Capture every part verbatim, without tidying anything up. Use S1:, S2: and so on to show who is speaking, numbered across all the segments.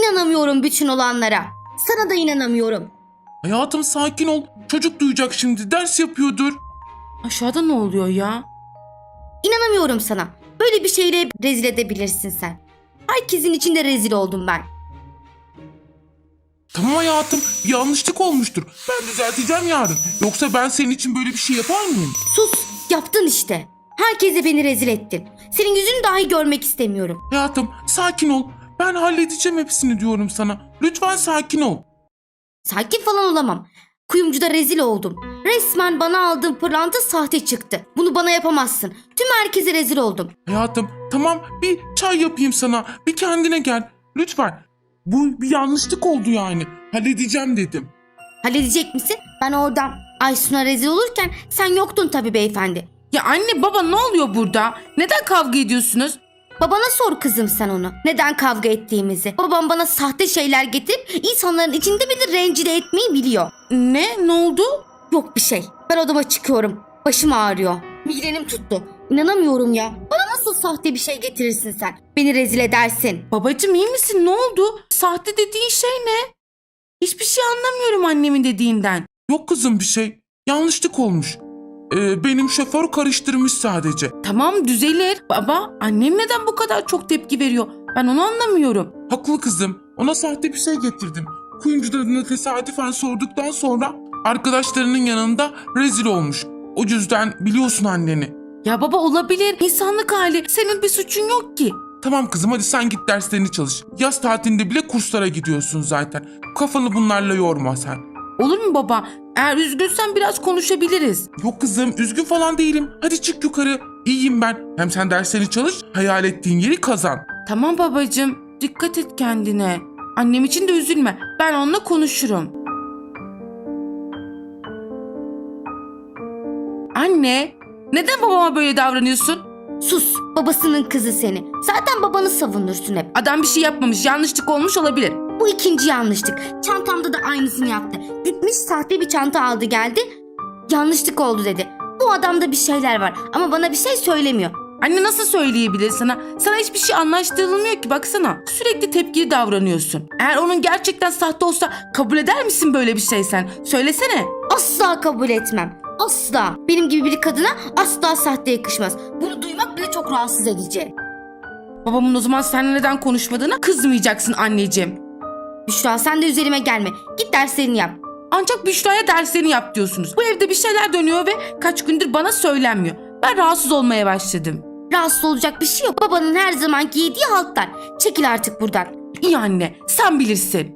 S1: İnanamıyorum bütün olanlara. Sana da inanamıyorum.
S2: Hayatım sakin ol. Çocuk duyacak şimdi. Ders yapıyordur.
S3: Aşağıda ne oluyor ya?
S1: İnanamıyorum sana. Böyle bir şeyle rezil edebilirsin sen. Herkesin içinde rezil oldum ben.
S2: Tamam hayatım. Bir yanlışlık olmuştur. Ben düzelteceğim yarın. Yoksa ben senin için böyle bir şey yapar mıyım?
S1: Sus, yaptın işte. Herkese beni rezil ettin. Senin yüzünü dahi görmek istemiyorum.
S2: Hayatım sakin ol. Ben halledeceğim hepsini diyorum sana. Lütfen sakin ol.
S1: Sakin falan olamam. Kuyumcuda rezil oldum. Resmen bana aldığın pırlanta sahte çıktı. Bunu bana yapamazsın. Tüm herkese rezil oldum.
S2: Hayatım tamam bir çay yapayım sana. Bir kendine gel. Lütfen. Bu bir yanlışlık oldu yani. Halledeceğim dedim.
S1: Halledecek misin? Ben oradan Aysun'a rezil olurken sen yoktun tabii beyefendi.
S3: Ya anne baba ne oluyor burada? Neden kavga ediyorsunuz?
S1: Babana sor kızım sen onu. Neden kavga ettiğimizi. Babam bana sahte şeyler getirip insanların içinde beni rencide etmeyi biliyor.
S3: Ne? Ne oldu?
S1: Yok bir şey. Ben odama çıkıyorum. Başım ağrıyor. Migrenim tuttu. İnanamıyorum ya. Bana nasıl sahte bir şey getirirsin sen? Beni rezil edersin.
S3: Babacığım iyi misin? Ne oldu? Sahte dediğin şey ne? Hiçbir şey anlamıyorum annemin dediğinden.
S2: Yok kızım bir şey. Yanlışlık olmuş. Ee, benim şoför karıştırmış sadece.
S3: Tamam düzelir. Baba annem neden bu kadar çok tepki veriyor? Ben onu anlamıyorum.
S2: Haklı kızım. Ona sahte bir şey getirdim. Kuyumcu adına tesadüfen sorduktan sonra arkadaşlarının yanında rezil olmuş. O yüzden biliyorsun anneni.
S3: Ya baba olabilir. İnsanlık hali. Senin bir suçun yok ki.
S2: Tamam kızım hadi sen git derslerini çalış. Yaz tatilinde bile kurslara gidiyorsun zaten. Kafanı bunlarla yorma sen.
S3: Olur mu baba? Eğer üzgünsen biraz konuşabiliriz.
S2: Yok kızım üzgün falan değilim. Hadi çık yukarı. İyiyim ben. Hem sen derslerini çalış, hayal ettiğin yeri kazan.
S3: Tamam babacığım. Dikkat et kendine. Annem için de üzülme. Ben onunla konuşurum. Anne, neden babama böyle davranıyorsun?
S1: Sus, babasının kızı seni. Zaten babanı savunursun hep.
S3: Adam bir şey yapmamış, yanlışlık olmuş olabilir.
S1: Bu ikinci yanlışlık. Çantamda da aynısını yaptı. Gitmiş sahte bir çanta aldı geldi. Yanlışlık oldu dedi. Bu adamda bir şeyler var ama bana bir şey söylemiyor.
S3: Anne nasıl söyleyebilir sana? Sana hiçbir şey anlaştırılmıyor ki baksana. Sürekli tepkili davranıyorsun. Eğer onun gerçekten sahte olsa kabul eder misin böyle bir şey sen? Söylesene.
S1: Asla kabul etmem. Asla. Benim gibi bir kadına asla sahte yakışmaz. Bunu duymak bile çok rahatsız edici.
S3: Babamın o zaman seninle neden konuşmadığına kızmayacaksın anneciğim.
S1: Büşra sen de üzerime gelme. Git derslerini yap.
S3: Ancak Büşra'ya derslerini yap diyorsunuz. Bu evde bir şeyler dönüyor ve kaç gündür bana söylenmiyor. Ben rahatsız olmaya başladım.
S1: Rahatsız olacak bir şey yok. Babanın her zamanki yediği haltlar. Çekil artık buradan.
S3: İyi anne, sen bilirsin.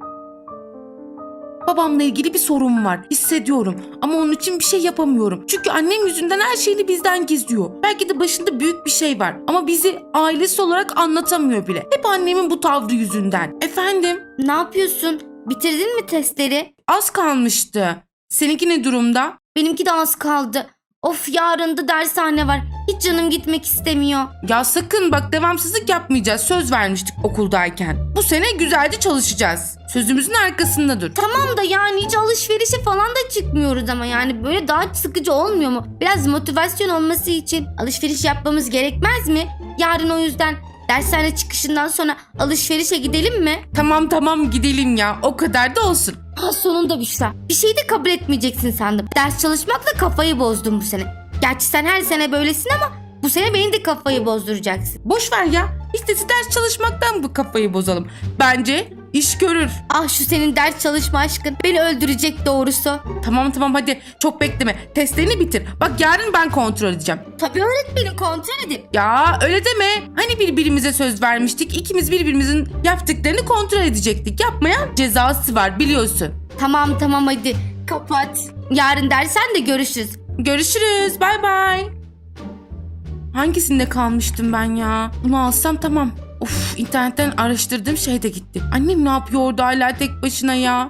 S3: Babamla ilgili bir sorun var. Hissediyorum ama onun için bir şey yapamıyorum. Çünkü annem yüzünden her şeyini bizden gizliyor. Belki de başında büyük bir şey var ama bizi ailesi olarak anlatamıyor bile. Hep annemin bu tavrı yüzünden. Efendim?
S1: Ne yapıyorsun? Bitirdin mi testleri?
S3: Az kalmıştı. Seninki ne durumda?
S1: Benimki de az kaldı. Of yarın da dershane var. Hiç canım gitmek istemiyor.
S3: Ya sakın bak devamsızlık yapmayacağız. Söz vermiştik okuldayken. Bu sene güzelce çalışacağız. Sözümüzün arkasında dur.
S1: Tamam da yani hiç alışverişe falan da çıkmıyoruz ama yani böyle daha sıkıcı olmuyor mu? Biraz motivasyon olması için alışveriş yapmamız gerekmez mi? Yarın o yüzden dershane çıkışından sonra alışverişe gidelim mi?
S3: Tamam tamam gidelim ya. O kadar da olsun.
S1: Ha sonunda Büşra. Bir şey de kabul etmeyeceksin sandım. Ders çalışmakla kafayı bozdum bu sene. Gerçi sen her sene böylesin ama bu sene beni de kafayı bozduracaksın.
S3: Boş ver ya. İstesi ders çalışmaktan bu kafayı bozalım. Bence iş görür.
S1: Ah şu senin ders çalışma aşkın beni öldürecek doğrusu.
S3: Tamam tamam hadi çok bekleme. Testlerini bitir. Bak yarın ben kontrol edeceğim.
S1: Tabii öğretmenim kontrol edin.
S3: Ya öyle deme. Hani birbirimize söz vermiştik. İkimiz birbirimizin yaptıklarını kontrol edecektik. Yapmayan cezası var biliyorsun.
S1: Tamam tamam hadi kapat. Yarın dersen de görüşürüz.
S3: Görüşürüz. Bay bay. Hangisinde kalmıştım ben ya? Bunu alsam tamam. Of internetten araştırdığım şey de gitti. Annem ne yapıyor orada hala tek başına ya?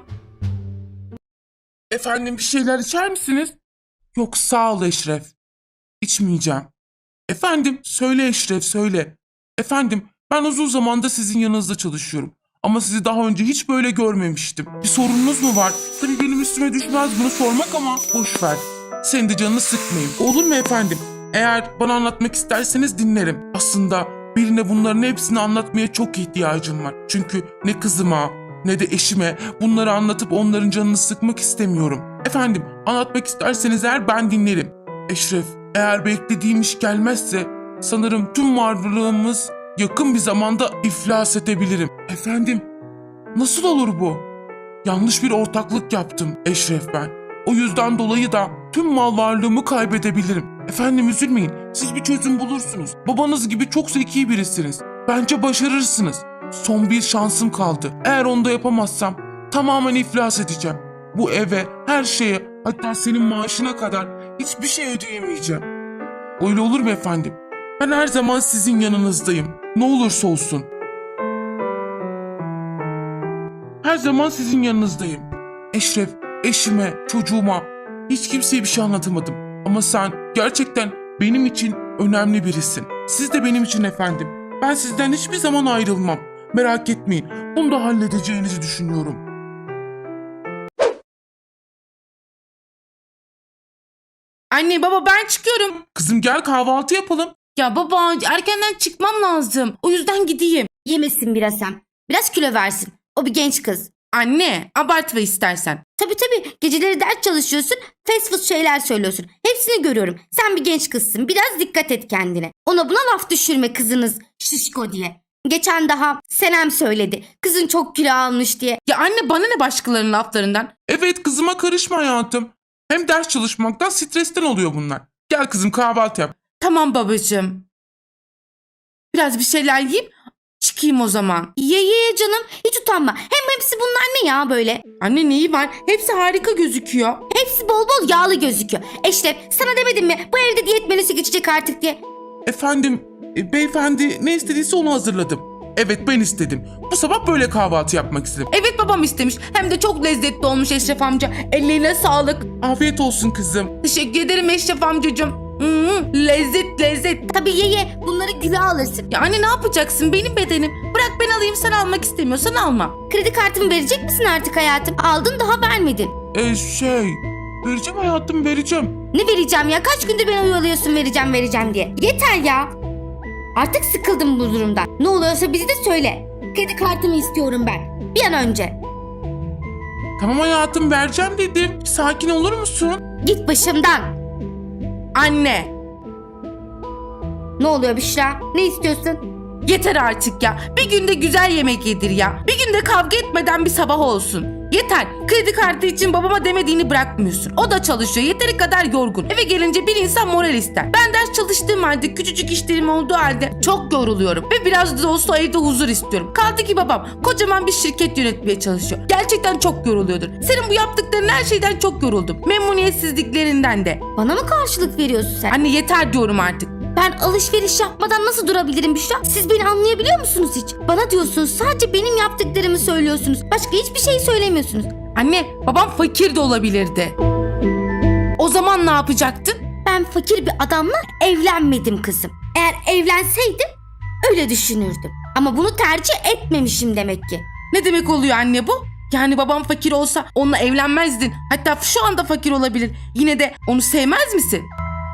S2: Efendim bir şeyler içer misiniz? Yok sağ ol Eşref. İçmeyeceğim. Efendim söyle Eşref söyle. Efendim ben uzun zamanda sizin yanınızda çalışıyorum. Ama sizi daha önce hiç böyle görmemiştim. Bir sorununuz mu var? Tabii benim üstüme düşmez bunu sormak ama boş ver. Senin de canını sıkmayayım. Olur mu efendim? Eğer bana anlatmak isterseniz dinlerim. Aslında Birine bunların hepsini anlatmaya çok ihtiyacım var. Çünkü ne kızıma ne de eşime bunları anlatıp onların canını sıkmak istemiyorum. Efendim, anlatmak isterseniz eğer ben dinlerim. Eşref, eğer beklediğim iş gelmezse sanırım tüm varlığımız yakın bir zamanda iflas edebilirim. Efendim, nasıl olur bu? Yanlış bir ortaklık yaptım Eşref ben. O yüzden dolayı da tüm mal varlığımı kaybedebilirim. Efendim üzülmeyin, siz bir çözüm bulursunuz. Babanız gibi çok zeki birisiniz. Bence başarırsınız. Son bir şansım kaldı. Eğer onu da yapamazsam tamamen iflas edeceğim. Bu eve, her şeye, hatta senin maaşına kadar hiçbir şey ödeyemeyeceğim. Öyle olur mu efendim? Ben her zaman sizin yanınızdayım. Ne olursa olsun. Her zaman sizin yanınızdayım. Eşref, eşime, çocuğuma hiç kimseye bir şey anlatamadım. Ama sen gerçekten benim için önemli birisin. Siz de benim için efendim. Ben sizden hiçbir zaman ayrılmam. Merak etmeyin. Bunu da halledeceğinizi düşünüyorum.
S3: Anne baba ben çıkıyorum.
S2: Kızım gel kahvaltı yapalım.
S3: Ya baba erkenden çıkmam lazım. O yüzden gideyim.
S1: Yemesin biraz hem. Biraz kilo versin. O bir genç kız.
S3: Anne abartma istersen.
S1: Tabii tabii, geceleri ders çalışıyorsun, fast food şeyler söylüyorsun. Hepsini görüyorum. Sen bir genç kızsın, biraz dikkat et kendine. Ona buna laf düşürme kızınız şişko diye. Geçen daha Senem söyledi. Kızın çok kilo almış diye.
S3: Ya anne bana ne başkalarının laflarından?
S2: Evet, kızıma karışma hayatım. Hem ders çalışmaktan, stresten oluyor bunlar. Gel kızım kahvaltı yap.
S3: Tamam babacığım. Biraz bir şeyler yiyip çıkayım o zaman.
S1: Ye ye canım, hiç utanma. Hem hepsi bunlar ne ya böyle?
S3: Anne neyi var? Hepsi harika gözüküyor.
S1: Hepsi bol bol yağlı gözüküyor. Eşref, sana demedim mi bu evde diyet menüsü geçecek artık diye?
S2: Efendim, e, beyefendi ne istediyse onu hazırladım. Evet, ben istedim. Bu sabah böyle kahvaltı yapmak istedim.
S3: Evet babam istemiş. Hem de çok lezzetli olmuş Eşref amca. Ellerine sağlık.
S2: Afiyet olsun kızım.
S3: Teşekkür ederim Eşref amcacığım. Hmm, lezzet lezzet.
S1: Tabii ye ye, bunları kilo alırsın.
S3: Ya anne ne yapacaksın? Benim bedenim. Bırak ben alayım, sen almak istemiyorsan alma.
S1: Kredi kartımı verecek misin artık hayatım? Aldın daha vermedin.
S2: E şey, vereceğim hayatım, vereceğim.
S1: Ne vereceğim ya? Kaç gündür beni oyalıyorsun vereceğim vereceğim diye. Yeter ya. Artık sıkıldım bu durumdan. Ne oluyorsa bizi de söyle. Kredi kartımı istiyorum ben. Bir an önce.
S2: Tamam hayatım, vereceğim dedim. Sakin olur musun?
S1: Git başımdan.
S3: Anne
S1: Ne oluyor Büşra? Ne istiyorsun?
S3: yeter artık ya. Bir günde güzel yemek yedir ya. Bir günde kavga etmeden bir sabah olsun. Yeter. Kredi kartı için babama demediğini bırakmıyorsun. O da çalışıyor. Yeteri kadar yorgun. Eve gelince bir insan moral ister. Ben ders çalıştığım halde, küçücük işlerim olduğu halde çok yoruluyorum. Ve biraz da olsa evde huzur istiyorum. Kaldı ki babam kocaman bir şirket yönetmeye çalışıyor. Gerçekten çok yoruluyordur. Senin bu yaptıkların her şeyden çok yoruldum. Memnuniyetsizliklerinden de.
S1: Bana mı karşılık veriyorsun sen?
S3: Anne yeter diyorum artık.
S1: Ben alışveriş yapmadan nasıl durabilirim Büşra? Siz beni anlayabiliyor musunuz hiç? Bana diyorsunuz, sadece benim yaptıklarımı söylüyorsunuz. Başka hiçbir şey söylemiyorsunuz.
S3: Anne babam fakir de olabilirdi. O zaman ne yapacaktın?
S1: Ben fakir bir adamla evlenmedim kızım. Eğer evlenseydim öyle düşünürdüm. Ama bunu tercih etmemişim demek ki.
S3: Ne demek oluyor anne bu? Yani babam fakir olsa onunla evlenmezdin. Hatta şu anda fakir olabilir. Yine de onu sevmez misin?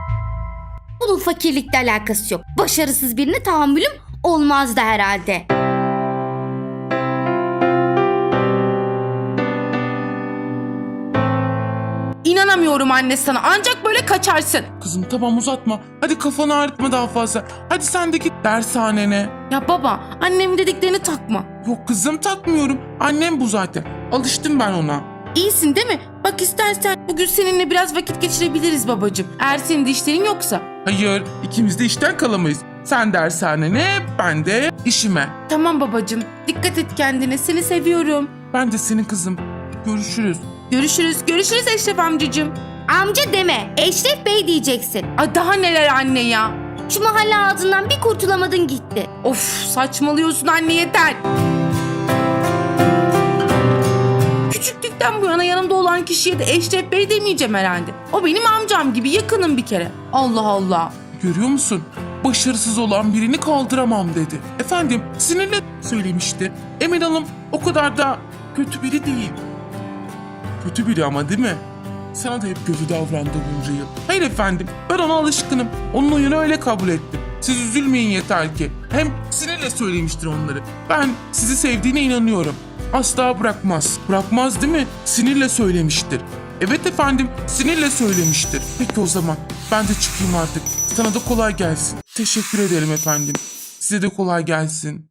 S1: Bunun fakirlikle alakası yok. Başarısız birine tahammülüm olmazdı herhalde.
S3: İnanamıyorum anne sana. Ancak böyle kaçarsın.
S2: Kızım tamam, uzatma. Hadi kafanı ağrıtma daha fazla. Hadi sen de git dershanene.
S3: Ya baba, annemin dediklerini takma.
S2: Yok kızım, takmıyorum. Annem bu zaten. Alıştım ben ona.
S3: İyisin değil mi? Bak istersen bugün seninle biraz vakit geçirebiliriz babacığım. Eğer senin de işlerin yoksa.
S2: Hayır, ikimiz de işten kalamayız. Sen dershanene, ben de işime.
S3: Tamam babacığım. Dikkat et kendine. Seni seviyorum.
S2: Ben de senin kızım. Görüşürüz.
S3: Görüşürüz. Görüşürüz Eşref amcacığım.
S1: Amca deme, Eşref Bey diyeceksin.
S3: Ay daha neler anne ya.
S1: Şu mahalle ağzından bir kurtulamadın gitti.
S3: Of saçmalıyorsun anne yeter. Küçüklükten bu yana yanımda olan kişiye de Eşref Bey demeyeceğim herhalde. O benim amcam gibi yakınım bir kere. Allah Allah.
S2: Görüyor musun? Başarısız olan birini kaldıramam dedi. Efendim, sinirle söylemişti. Emin Hanım o kadar da kötü biri değil. Kötü biri ama değil mi? Sana da hep kötü davrandı bunca yıl. Hayır efendim, ben ona alışkınım. Onun oyunu öyle kabul ettim. Siz üzülmeyin yeter ki. Hem sinirle söylemiştir onları. Ben sizi sevdiğine inanıyorum. Asla bırakmaz. Bırakmaz değil mi? Sinirle söylemiştir. Evet efendim, sinirle söylemiştir. Peki o zaman ben de çıkayım artık. Sana da kolay gelsin. Teşekkür ederim efendim. Size de kolay gelsin.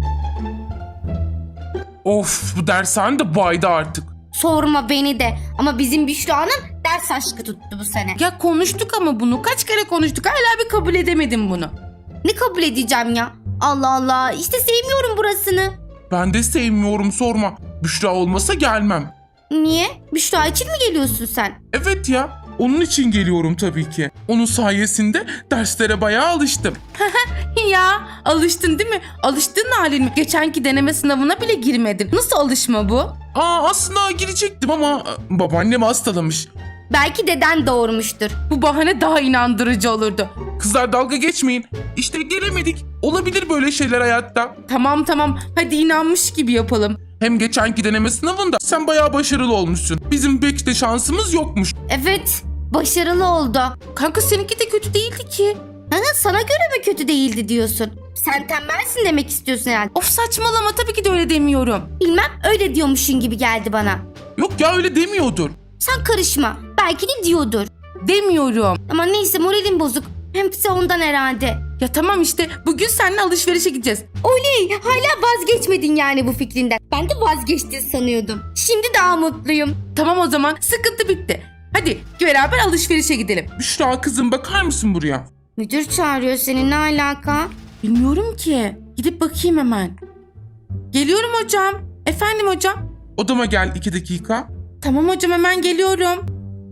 S2: Of, bu dershane de baydı artık.
S1: Sorma beni de. Ama bizim Büşra'nın ders aşkı tuttu bu sene.
S3: Ya konuştuk ama bunu. Kaç kere konuştuk. Hala bir kabul edemedim bunu.
S1: Ne kabul edeceğim ya? Allah Allah. İşte sevmiyorum burasını.
S2: Ben de sevmiyorum, sorma. Büşra olmasa gelmem.
S1: Niye? Büşra için mi geliyorsun sen?
S2: Evet ya, onun için geliyorum tabii ki. Onun sayesinde derslere bayağı alıştım.
S3: Ya alıştın değil mi? Alıştığın halin mi? Geçenki deneme sınavına bile girmedin. Nasıl alışma bu?
S2: Aa, aslında girecektim ama e, babaannem hastalamış.
S1: Belki deden doğurmuştur.
S3: Bu bahane daha inandırıcı olurdu.
S2: Kızlar dalga geçmeyin. İşte gelemedik. Olabilir böyle şeyler hayatta.
S3: Tamam tamam hadi inanmış gibi yapalım.
S2: Hem geçenki deneme sınavında sen bayağı başarılı olmuşsun. Bizim pek de şansımız yokmuş.
S1: Evet. Başarılı oldu.
S3: Kanka seninki de kötü değildi ki.
S1: Ha, sana göre mi kötü değildi diyorsun? Sen tembelsin demek istiyorsun herhalde.
S3: Of saçmalama tabii ki de öyle demiyorum.
S1: Bilmem, öyle diyormuşsun gibi geldi bana.
S2: Yok ya, öyle demiyordur.
S1: Sen karışma. Belki de diyordur.
S3: Demiyorum.
S1: Ama neyse, moralim bozuk. Hepsi ondan herhalde.
S3: Ya tamam işte bugün seninle alışverişe gideceğiz.
S1: Oley! Hala vazgeçmedin yani bu fikrinden. Ben de vazgeçtin sanıyordum. Şimdi daha mutluyum.
S3: Tamam o zaman sıkıntı bitti. Hadi beraber alışverişe gidelim.
S2: Büşra kızım, bakar mısın buraya?
S1: Müdür çağırıyor seni, ne alaka?
S3: Bilmiyorum ki. Gidip bakayım hemen. Geliyorum hocam. Efendim hocam.
S2: Odama gel iki dakika.
S3: Tamam hocam hemen geliyorum.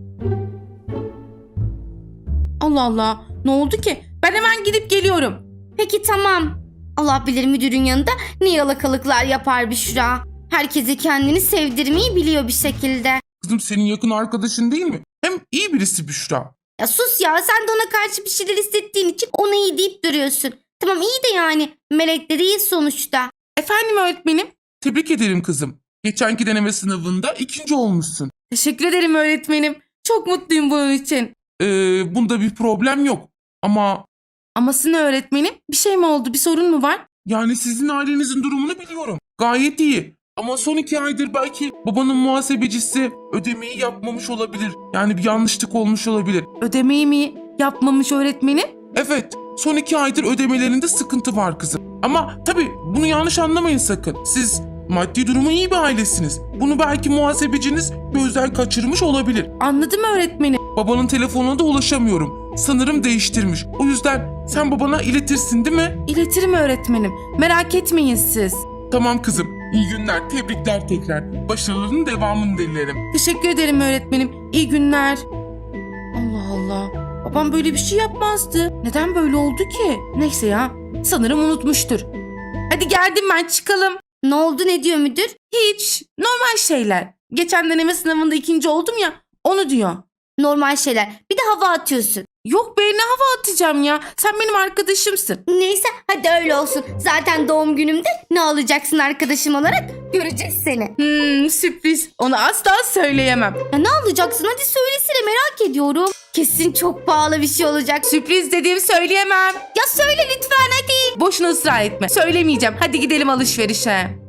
S3: Allah Allah. Ne oldu ki? Ben hemen gidip geliyorum.
S1: Peki tamam. Allah bilir müdürün yanında ne yalakalıklar yapar Büşra. Herkese kendini sevdirmeyi biliyor bir şekilde.
S2: Kızım, senin yakın arkadaşın değil mi? Hem iyi birisi Büşra.
S1: Ya sus ya, sen de ona karşı bir şeyler hissettiğin için ona iyi deyip duruyorsun. Tamam iyi de yani melek de değil sonuçta.
S3: Efendim öğretmenim.
S2: Tebrik ederim kızım. Geçenki deneme sınavında ikinci olmuşsun.
S3: Teşekkür ederim öğretmenim. Çok mutluyum bunun için.
S2: Ee, bunda bir problem yok. Ama
S3: Aması ne öğretmenim? Bir şey mi oldu? Bir sorun mu var?
S2: yani sizin ailenizin durumunu biliyorum. Gayet iyi. Ama son iki aydır belki babanın muhasebecisi ödemeyi yapmamış olabilir. Yani bir yanlışlık olmuş olabilir.
S3: Ödemeyi mi yapmamış öğretmenim?
S2: Evet, son iki aydır ödemelerinde sıkıntı var kızım. Ama tabii bunu yanlış anlamayın sakın. Siz maddi durumu iyi bir ailesiniz. Bunu belki muhasebeciniz gözden kaçırmış olabilir.
S3: Anladım öğretmenim.
S2: Babanın telefonuna da ulaşamıyorum. Sanırım değiştirmiş. O yüzden sen babana iletirsin değil mi?
S3: İletirim öğretmenim. Merak etmeyin siz.
S2: Tamam kızım. İyi günler. Tebrikler tekrar. Başarılarının devamını dilerim.
S3: Teşekkür ederim öğretmenim. İyi günler. Allah Allah. Babam böyle bir şey yapmazdı. Neden böyle oldu ki? Neyse ya. Sanırım unutmuştur. Hadi geldim ben, çıkalım.
S1: Ne oldu, ne diyor müdür?
S3: Hiç. Normal şeyler. Geçen deneme sınavında ikinci oldum ya. Onu diyor.
S1: Normal şeyler. Bir de hava atıyorsun.
S3: Yok be, ne hava atacağım ya. Sen benim arkadaşımsın.
S1: Neyse hadi öyle olsun. Zaten doğum günümde ne alacaksın arkadaşım olarak göreceğiz seni.
S3: Hmm, sürpriz. Onu asla söyleyemem.
S1: Ya ne alacaksın, hadi söylesene, merak ediyorum. Kesin çok pahalı bir şey olacak.
S3: Sürpriz dediğim söyleyemem.
S1: Ya söyle lütfen hadi.
S3: Boşuna ısrar etme. Söylemeyeceğim. Hadi gidelim alışverişe.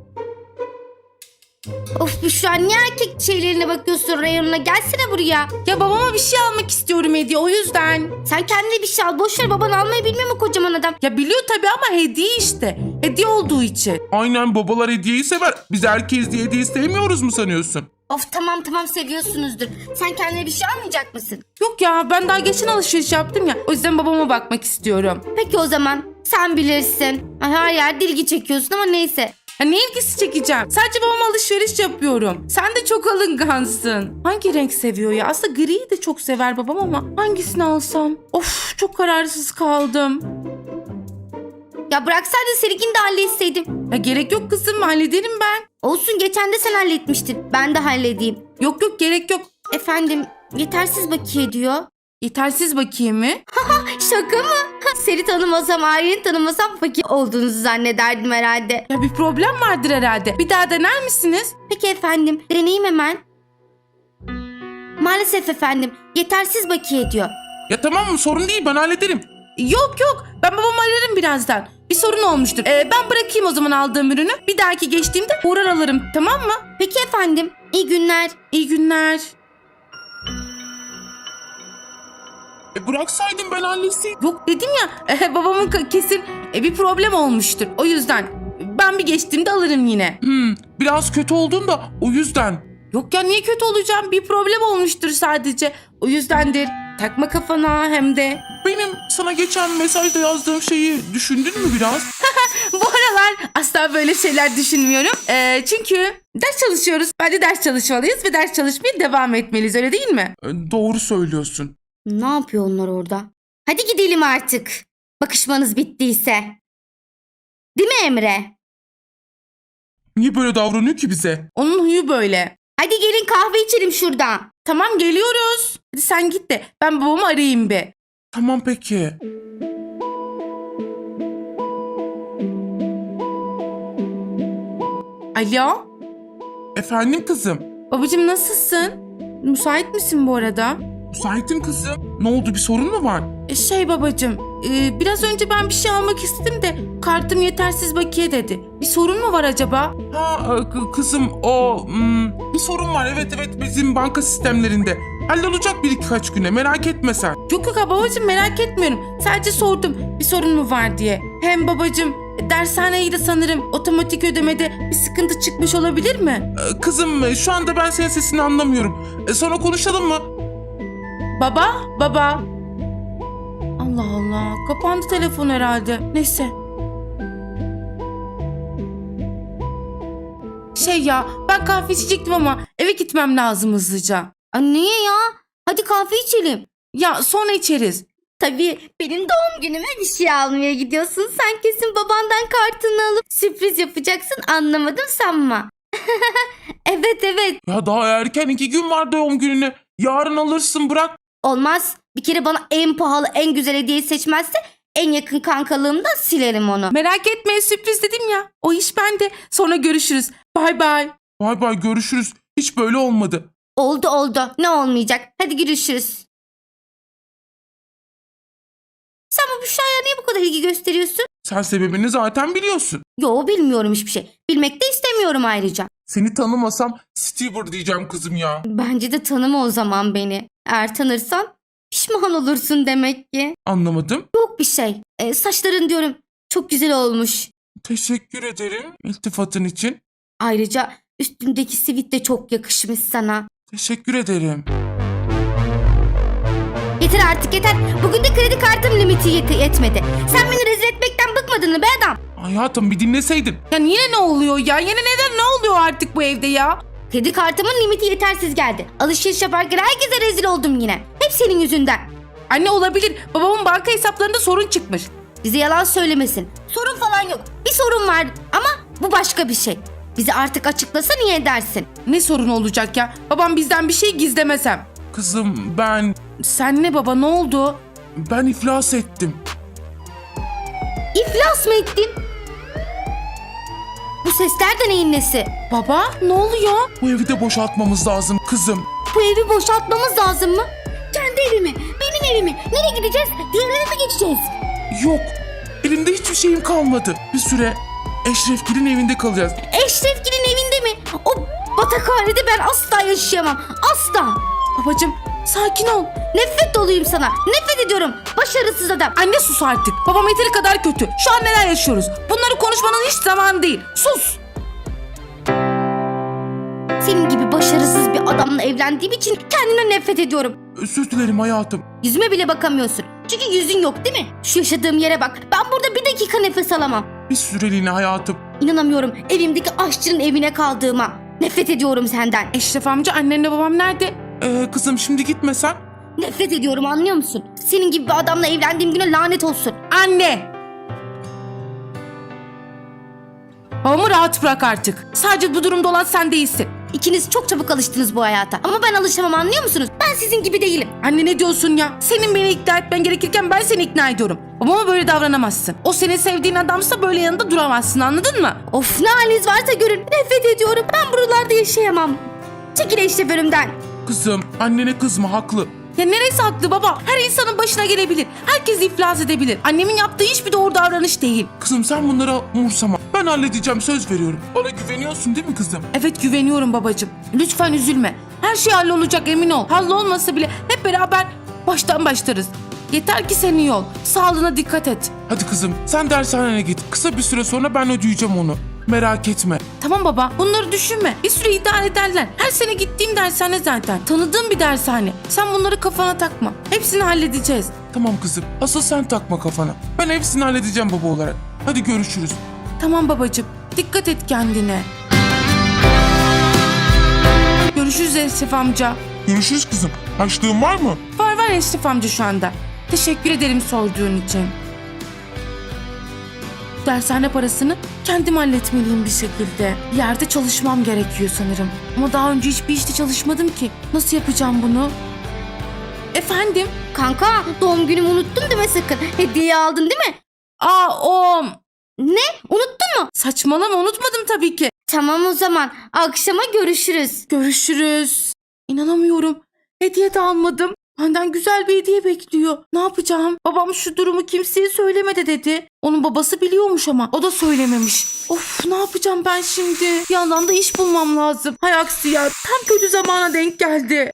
S1: Of Büşra, niye erkek şeylerine bakıyorsun reyonuna, gelsene buraya.
S3: Ya babama bir şey almak istiyorum hediye, o yüzden.
S1: Sen kendine bir şey al, boşver, baban almayı bilmiyor mu kocaman adam?
S3: Ya biliyor tabii ama hediye işte. Hediye olduğu için.
S2: Aynen, babalar hediyeyi sever. Biz erkeğiz diye hediye sevmiyoruz mu sanıyorsun?
S1: Of tamam tamam, seviyorsunuzdur. Sen kendine bir şey almayacak mısın?
S3: Yok ya, ben daha geçen alışveriş yaptım ya. O yüzden babama bakmak istiyorum.
S1: Peki o zaman sen bilirsin. Ay, her yerde ilgi çekiyorsun ama neyse.
S3: Ya ne ilgisi çekeceğim? Sadece babama alışveriş yapıyorum. Sen de çok alıngansın. Hangi renk seviyor ya? Aslında griyi de çok sever babam ama hangisini alsam? Of, çok kararsız kaldım.
S1: Ya bıraksaydın seninkini de halletseydim.
S3: Ya gerek yok kızım, hallederim ben.
S1: Olsun, geçen de sen halletmiştin. Ben de halledeyim.
S3: Yok yok, gerek yok.
S1: Efendim, yetersiz bakiye diyor.
S3: Yetersiz bakayım mı?
S1: Şaka mı? Seni tanımasam, aileni tanımasam fakir olduğunuzu zannederdim herhalde.
S3: Ya bir problem vardır herhalde. Bir daha dener misiniz?
S1: Peki efendim, deneyeyim hemen. Maalesef efendim, yetersiz bakiye diyor.
S2: Ya tamam mı, sorun değil, ben hallederim.
S3: Yok yok, ben babamı ararım birazdan. Bir sorun olmuştur. Ee, ben bırakayım o zaman aldığım ürünü. Bir dahaki geçtiğimde uğrar alırım, tamam mı?
S1: Peki efendim. İyi günler.
S3: İyi günler.
S2: E bıraksaydın ben halletseydim.
S3: Yok dedim ya, e, babamın ka- kesin e, bir problem olmuştur. O yüzden ben bir geçtiğimde alırım yine.
S2: Hmm, biraz kötü oldun da o yüzden.
S3: Yok ya, niye kötü olacağım? Bir problem olmuştur sadece. O yüzdendir. Takma kafana hem de.
S2: Benim sana geçen mesajda yazdığım şeyi düşündün mü biraz?
S3: Bu aralar asla böyle şeyler düşünmüyorum. Ee, çünkü ders çalışıyoruz. Bence ders çalışmalıyız ve ders çalışmaya devam etmeliyiz, öyle değil mi?
S2: E, doğru söylüyorsun.
S1: Ne yapıyor onlar orada? Hadi gidelim artık. Bakışmanız bittiyse. Değil mi Emre?
S2: Niye böyle davranıyor ki bize?
S3: Onun huyu böyle.
S1: Hadi gelin kahve içelim şurada.
S3: Tamam, geliyoruz. Hadi sen git de ben babamı arayayım bir.
S2: Tamam peki.
S3: Alo?
S2: Efendim kızım.
S3: Babacığım, nasılsın? Müsait misin bu arada?
S2: Müsaitim kızım. Ne oldu, bir sorun mu var?
S3: E, Şey babacığım, e, biraz önce ben bir şey almak istedim de kartım yetersiz bakiye dedi. Bir sorun mu var acaba?
S2: Ha e, kı- kızım o hmm, bir sorun var, evet evet, bizim banka sistemlerinde. Hallolacak bir birkaç güne, merak etme sen.
S3: Yok yok babacığım, merak etmiyorum. Sadece sordum bir sorun mu var diye. Hem babacığım, dershaneye de sanırım otomatik ödemede bir sıkıntı çıkmış olabilir mi?
S2: E, Kızım e, şu anda ben senin sesini anlamıyorum. E, Sonra konuşalım mı?
S3: Baba, baba. Allah Allah, kapandı telefon herhalde. Neyse. Şey ya, ben kahve içecektim ama eve gitmem lazım hızlıca.
S1: Aa, niye ya? Hadi kahve içelim.
S3: Ya sonra içeriz.
S1: Tabii benim doğum günüme bir şey almaya gidiyorsun. Sen kesin babandan kartını alıp sürpriz yapacaksın. Anlamadım sanma. Evet evet.
S2: Ya daha erken, iki gün var doğum gününe. Yarın alırsın, bırak.
S1: Olmaz. Bir kere bana en pahalı, en güzel hediyeyi seçmezse en yakın kankalığımdan silerim onu.
S3: Merak etme, sürpriz dedim ya. O iş bende. Sonra görüşürüz. Bay bay.
S2: Bay bay, görüşürüz. Hiç böyle olmadı.
S1: Oldu oldu. Ne olmayacak? Hadi görüşürüz. Sen bu Büşra'ya niye bu kadar ilgi gösteriyorsun?
S2: Sen sebebini zaten biliyorsun.
S1: Yo, bilmiyorum hiçbir şey. Bilmek de istemiyorum ayrıca.
S2: Seni tanımasam Stever diyeceğim kızım ya.
S1: Bence de tanıma o zaman beni. Eğer tanırsan pişman olursun demek ki.
S2: Anlamadım.
S1: Yok bir şey. Ee, saçların diyorum çok güzel olmuş.
S2: Teşekkür ederim iltifatın için.
S1: Ayrıca üstündeki sivit de çok yakışmış sana.
S2: Teşekkür ederim.
S1: Yeter artık yeter. Bugün de kredi kartım limiti yet- yetmedi. Sen beni rezil etmekten bıkmadın mı be adam?
S2: Hayatım, bir dinleseydin.
S3: Ya yine ne oluyor ya? Yine neden ne oluyor artık bu evde ya?
S1: Kredi kartımın limiti yetersiz geldi. Alışveriş yaparken herkese rezil oldum yine. Hep senin yüzünden.
S3: Anne, olabilir. Babamın banka hesaplarında sorun çıkmış.
S1: Bize yalan söylemesin. Sorun falan yok. Bir sorun var ama bu başka bir şey. Bize artık açıklasa niye edersin?
S3: Ne sorun olacak ya? Babam bizden bir şey gizlemesem.
S2: Kızım ben,
S3: Sen ne baba, ne oldu?
S2: ben iflas ettim.
S1: İflas mı ettin? Bu sesler de neyin nesi?
S3: Baba, ne oluyor?
S2: Bu evi de boşaltmamız lazım kızım.
S1: Bu evi boşaltmamız lazım mı? Kendi evimi, benim evimi. Nereye gideceğiz? Diğer eve mi geçeceğiz?
S2: Yok, elimde hiçbir şeyim kalmadı. Bir süre Eşrefgil'in evinde kalacağız.
S1: Eşrefgil'in evinde mi? O batakhanede ben asla yaşayamam. Asla.
S3: Babacığım, sakin ol.
S1: Nefret doluyum sana. Nefret ediyorum. Başarısız adam.
S3: Anne, sus artık. Babam yeteri kadar kötü. Şu an neler yaşıyoruz? Bunları konuşmanın hiç zamanı değil. Sus.
S1: Senin gibi başarısız bir adamla evlendiğim için kendimden nefret ediyorum.
S2: Özür dilerim hayatım.
S1: Yüzüme bile bakamıyorsun. Çünkü yüzün yok değil mi? Şu yaşadığım yere bak. Ben burada bir dakika nefes alamam.
S2: Bir süreliğine hayatım.
S1: İnanamıyorum evimdeki aşçının evine kaldığıma. Nefret ediyorum senden.
S3: Eşref amca, annenle babam nerede?
S2: Ee, kızım şimdi gitmesen.
S1: Nefret ediyorum, anlıyor musun? Senin gibi bir adamla evlendiğim güne lanet olsun.
S3: Anne! Babamı rahat bırak artık. Sadece bu durumda olan sen değilsin.
S1: İkiniz çok çabuk alıştınız bu hayata. Ama ben alışamam, anlıyor musunuz? Ben sizin gibi değilim.
S3: Anne, ne diyorsun ya? Senin beni ikna etmen gerekirken ben seni ikna ediyorum. Babama böyle davranamazsın. O senin sevdiğin adamsa böyle yanında duramazsın, anladın mı?
S1: Of, ne haliniz varsa görün. Nefret ediyorum. Ben buralarda yaşayamam. Çekil Eşref önümden.
S2: Kızım, annene kızma, haklı.
S3: Ya neresi haklı baba? Her insanın başına gelebilir. Herkes iflas edebilir. Annemin yaptığı hiçbir doğru davranış değil.
S2: Kızım sen bunlara umursama. Ben halledeceğim, söz veriyorum. Bana güveniyorsun değil mi kızım?
S3: Evet güveniyorum babacığım. Lütfen üzülme. Her şey hallolacak emin ol. Hallolmasa bile hep beraber baştan başlarız. Yeter ki sen iyi ol. Sağlığına dikkat et.
S2: Hadi kızım sen dershanene git. Kısa bir süre sonra ben ödeyeceğim onu. Merak etme.
S3: Tamam baba bunları düşünme. Bir süre idare ederler. Her sene gittiğim dershane zaten. Tanıdığım bir dershane. Sen bunları kafana takma. Hepsini halledeceğiz.
S2: Tamam kızım. Asıl sen takma kafana. Ben hepsini halledeceğim baba olarak. Hadi görüşürüz.
S3: Tamam babacığım. Dikkat et kendine. Görüşürüz Eşref amca.
S2: Görüşürüz kızım. Açlığın var mı?
S3: Var var Eşref amca şu anda. Teşekkür ederim sorduğun için. Dershane parasını kendim halletmeliyim bir şekilde. Bir yerde çalışmam gerekiyor sanırım. Ama daha önce hiçbir işte çalışmadım ki. Nasıl yapacağım bunu? Efendim?
S1: Kanka doğum günümü unuttun deme sakın. Hediye aldın değil mi?
S3: Aa o...
S1: Ne? Unuttun mu?
S3: Saçmalama unutmadım tabii ki.
S1: Tamam o zaman. Akşama görüşürüz.
S3: Görüşürüz. İnanamıyorum. Hediye de almadım. Benden güzel bir hediye bekliyor. Ne yapacağım? Babam şu durumu kimseye söylemedi dedi. Onun babası biliyormuş ama o da söylememiş. Of ne yapacağım ben şimdi? Bir yandan da iş bulmam lazım. Hay aksi ya tam kötü zamana denk geldi.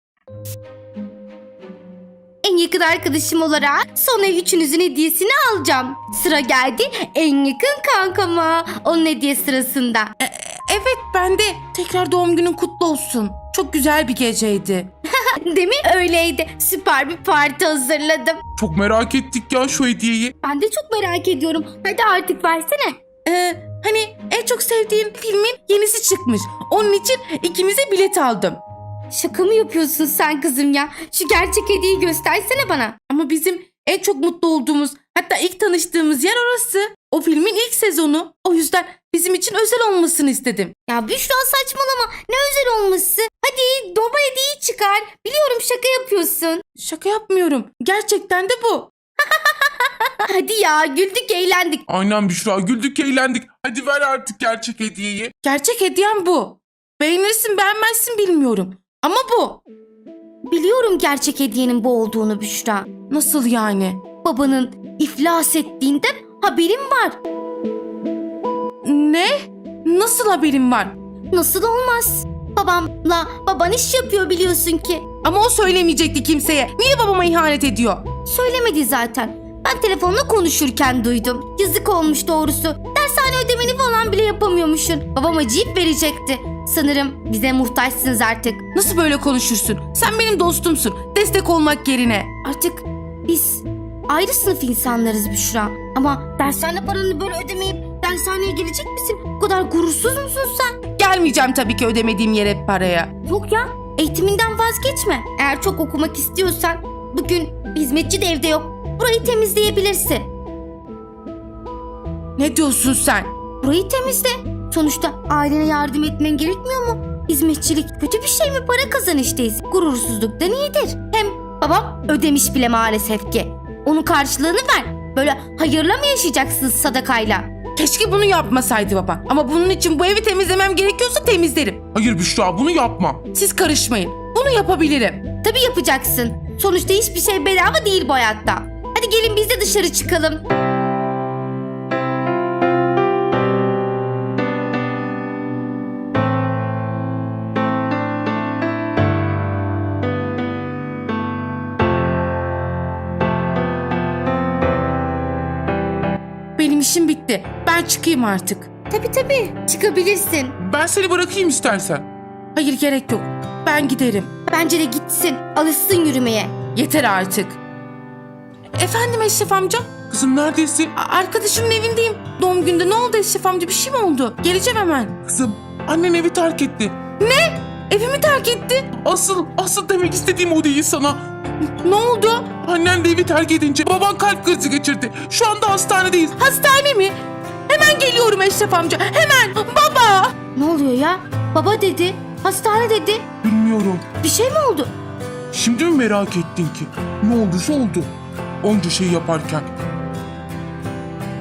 S1: En yakın arkadaşım olarak sonra üçünüzün hediyesini alacağım. Sıra geldi en yakın kankama. Onun hediye sırasında.
S3: Evet ben de. Tekrar doğum günün kutlu olsun. Çok güzel bir geceydi.
S1: Değil mi? Öyleydi. Süper bir parti hazırladım.
S2: Çok merak ettik ya şu hediyeyi.
S1: Ben de çok merak ediyorum. Hadi artık versene.
S3: Ee, hani en çok sevdiğim filmin yenisi çıkmış. Onun için ikimize bilet aldım.
S1: Şaka mı yapıyorsun sen kızım ya? Şu gerçek hediyeyi göstersene bana.
S3: Ama bizim en çok mutlu olduğumuz, hatta ilk tanıştığımız yer orası. O filmin ilk sezonu. O yüzden bizim için özel olmasını istedim.
S1: Ya Büşra saçmalama. Ne özel olması? Hadi baba hediyeyi çıkar. Biliyorum şaka yapıyorsun.
S3: Şaka yapmıyorum. Gerçekten de bu.
S1: Hadi ya güldük eğlendik.
S2: Aynen Büşra, güldük eğlendik. Hadi ver artık gerçek hediyeyi.
S3: Gerçek hediyem bu. Beğenirsin beğenmezsin bilmiyorum. Ama bu.
S1: Biliyorum gerçek hediyenin bu olduğunu Büşra.
S3: Nasıl yani?
S1: Babanın iflas ettiğinden haberim var.
S3: Ne? Nasıl haberin var?
S1: Nasıl olmaz? Babamla baban iş yapıyor biliyorsun ki.
S3: Ama o söylemeyecekti kimseye. Niye babama ihanet ediyor?
S1: Söylemedi zaten. Ben telefonla konuşurken duydum. Yazık olmuş doğrusu. Dershane ödemeni falan bile yapamıyormuşsun. Babam acıyıp verecekti. Sanırım bize muhtaçsınız artık.
S3: Nasıl böyle konuşursun? Sen benim dostumsun. Destek olmak yerine.
S1: Artık biz ayrı sınıf insanlarız Büşra. Ama dershane paranı böyle ödemeyip dershaneye gelecek misin? Bu kadar gurursuz musun sen?
S3: Gelmeyeceğim tabii ki ödemediğim yere paraya.
S1: Yok ya, eğitiminden vazgeçme. Eğer çok okumak istiyorsan bugün hizmetçi de evde yok. Burayı temizleyebilirsin.
S3: Ne diyorsun sen?
S1: Burayı temizle. Sonuçta ailene yardım etmen gerekmiyor mu? Hizmetçilik kötü bir şey mi? Para kazanıştayız. Gurursuzluktan iyidir. Hem babam ödemiş bile maalesef ki. Onun karşılığını ver. Böyle hayırla mı yaşayacaksın sadakayla?
S3: Keşke bunu yapmasaydı baba. Ama bunun için bu evi temizlemem gerekiyorsa temizlerim.
S2: Hayır Büşra, bunu yapma.
S3: Siz karışmayın. Bunu yapabilirim.
S1: Tabii yapacaksın. Sonuçta hiçbir şey bedava değil bu hayatta. Hadi gelin biz de dışarı çıkalım.
S3: Benim işim bitti. Ben çıkayım artık.
S1: Tabii tabii çıkabilirsin.
S2: Ben seni bırakayım istersen.
S3: Hayır gerek yok. Ben giderim.
S1: Bence de gitsin. Alışsın yürümeye.
S3: Yeter artık. Efendim Eşref amca?
S2: Kızım neredesin?
S3: A- Arkadaşımın evindeyim. Doğum günde ne oldu Eşref amca? Bir şey mi oldu? Geleceğim hemen.
S2: Kızım annen evi terk etti.
S3: Evimi terk etti.
S2: Asıl, asıl demek istediğim o değil sana.
S3: Ne oldu?
S2: Annen de evi terk edince baban kalp krizi geçirdi. Şu anda hastanedeyiz.
S3: Hastane mi? Hemen geliyorum Eşref amca. Hemen. Baba.
S1: Ne oluyor ya? Baba dedi. Hastane dedi.
S2: Bilmiyorum.
S1: Bir şey mi oldu?
S2: Şimdi mi merak ettin ki? Ne olduysa oldu. Onca şey yaparken.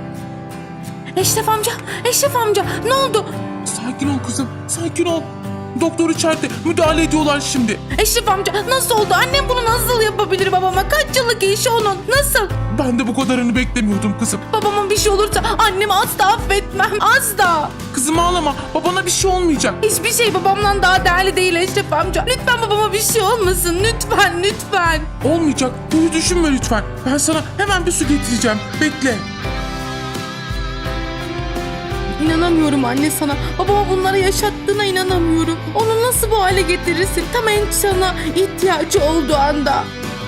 S3: Eşref amca. Eşref amca. Ne oldu?
S2: Sakin ol kızım, sakin ol. Doktor içeride. Müdahale ediyorlar şimdi.
S3: Eşref amca nasıl oldu? Annem bunu nasıl yapabilir babama? Kaç yıllık işi onun? Nasıl?
S2: Ben de bu kadarını beklemiyordum kızım.
S3: Babama bir şey olursa annemi asla affetmem. Asla.
S2: Kızım ağlama. Babana bir şey olmayacak.
S3: Hiçbir şey babamdan daha değerli değil Eşref amca. Lütfen babama bir şey olmasın. Lütfen, lütfen.
S2: Olmayacak. Bunu düşünme lütfen. Ben sana hemen bir su getireceğim. Bekle.
S3: İnanamıyorum anne sana. Babama bunları yaşattığına inanamıyorum. Onu nasıl bu hale getirirsin? Tam en sana ihtiyacı olduğu anda.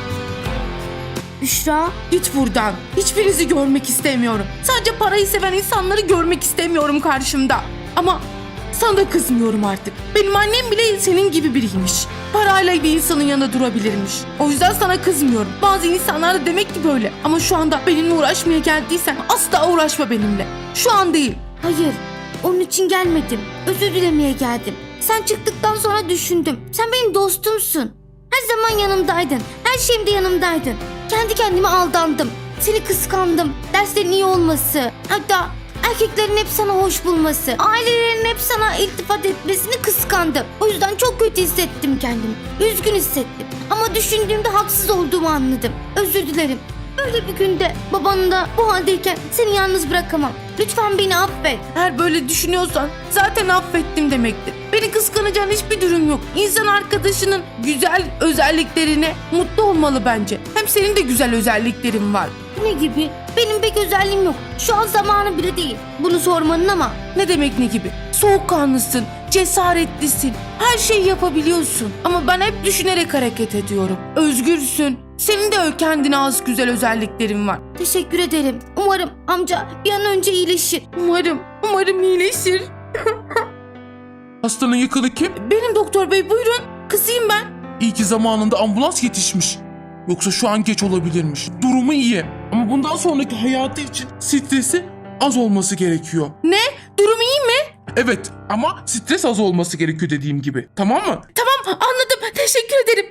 S1: Büşra.
S3: Git buradan. Hiçbirinizi görmek istemiyorum. Sadece parayı seven insanları görmek istemiyorum karşımda. Ama sana da kızmıyorum artık. Benim annem bile senin gibi biriymiş. Parayla bir insanın yanında durabilirmiş. O yüzden sana kızmıyorum. Bazı insanlar da demek ki böyle. Ama şu anda benimle uğraşmaya geldiysen asla uğraşma benimle. Şu an değil.
S1: Hayır, onun için gelmedim. Özür dilemeye geldim. Sen çıktıktan sonra düşündüm. Sen benim dostumsun. Her zaman yanımdaydın. Her şeyimde yanımdaydın. Kendi kendime aldandım. Seni kıskandım. Derslerin iyi olması. Hatta erkeklerin hep sana hoş bulması. Ailelerin hep sana iltifat etmesini kıskandım. O yüzden çok kötü hissettim kendimi. Üzgün hissettim. Ama düşündüğümde haksız olduğumu anladım. Özür dilerim. Böyle bir günde babanın da bu haldeyken seni yalnız bırakamam. Lütfen beni affet.
S3: Eğer böyle düşünüyorsan zaten affettim demektir. Beni kıskanacağın hiçbir durum yok. İnsan arkadaşının güzel özelliklerine mutlu olmalı bence. Hem senin de güzel özelliklerin var.
S1: Ne gibi? Benim pek özelliğim yok. Şu an zamanı bile değil. Bunu sormanın ama.
S3: Ne demek ne gibi? Soğukkanlısın, cesaretlisin, her şeyi yapabiliyorsun. Ama ben hep düşünerek hareket ediyorum. Özgürsün. Senin de kendine az güzel özelliklerin var.
S1: Teşekkür ederim. Umarım amca bir an önce iyileşir.
S3: Umarım, umarım iyileşir.
S2: Hastanın yakını kim?
S3: Benim doktor bey buyurun. Kızıyım ben.
S2: İyi ki zamanında ambulans yetişmiş. Yoksa şu an geç olabilirmiş. Durumu iyi. Ama bundan sonraki hayatı için stresi az olması gerekiyor.
S3: Ne? Durum iyi mi?
S2: Evet ama stres az olması gerekiyor dediğim gibi. Tamam mı?
S3: Tamam anladım. Teşekkür ederim.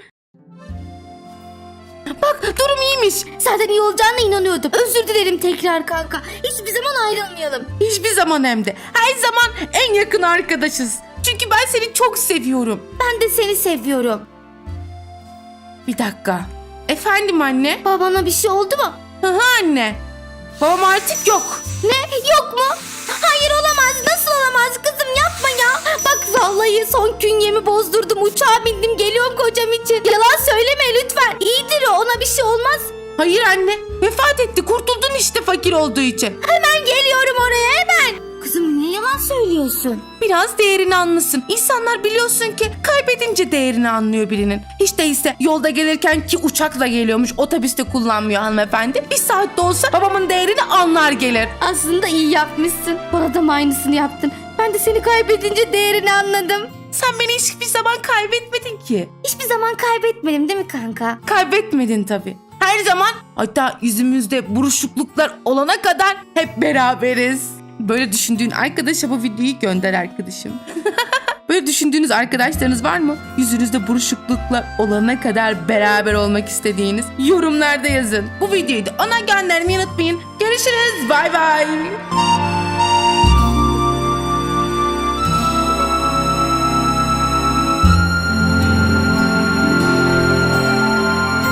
S3: Bak durum iyiymiş.
S1: Zaten iyi olacağına inanıyordum. Özür dilerim tekrar kanka. Hiçbir zaman ayrılmayalım.
S3: Hiçbir zaman hem de. Her zaman en yakın arkadaşız. Çünkü ben seni çok seviyorum.
S1: Ben de seni seviyorum.
S3: Bir dakika. Efendim anne?
S1: Babana bir şey oldu mu?
S3: Hı hı anne. Babam artık yok.
S1: Ne? Yok mu? Hayır olamaz. Nasıl olamaz kızım yapma ya. Bak vallahi son künyemi bozdurdum. Uçağa bindim geliyorum kocam için. Yalan söyleme lütfen. İyidir o, ona bir şey olmaz.
S3: Hayır anne. Vefat etti. Kurtuldun işte fakir olduğu için.
S1: Hemen geliyorum oraya hemen. Kızım niye yalan söylüyorsun?
S3: Biraz değerini anlasın. İnsanlar biliyorsun ki kaybedince değerini anlıyor birinin. Hiç değilse yolda gelirken ki uçakla geliyormuş. Otobüste kullanmıyor hanımefendi. Bir saatte olsa babamın değerini anlar gelir.
S1: Aslında iyi yapmışsın. Bana da aynısını yaptın. Ben de seni kaybedince değerini anladım.
S3: Sen beni hiçbir zaman kaybetmedin ki.
S1: Hiçbir zaman kaybetmedim değil mi kanka?
S3: Kaybetmedin tabii. Her zaman hatta yüzümüzde buruşukluklar olana kadar hep beraberiz. Böyle düşündüğün arkadaşa bu videoyu gönder arkadaşım. Böyle düşündüğünüz arkadaşlarınız var mı? Yüzünüzde buruşukluklar olana kadar beraber olmak istediğiniz yorumlarda yazın. Bu videoyu da ona göndermeyi unutmayın. Görüşürüz. Bay bay.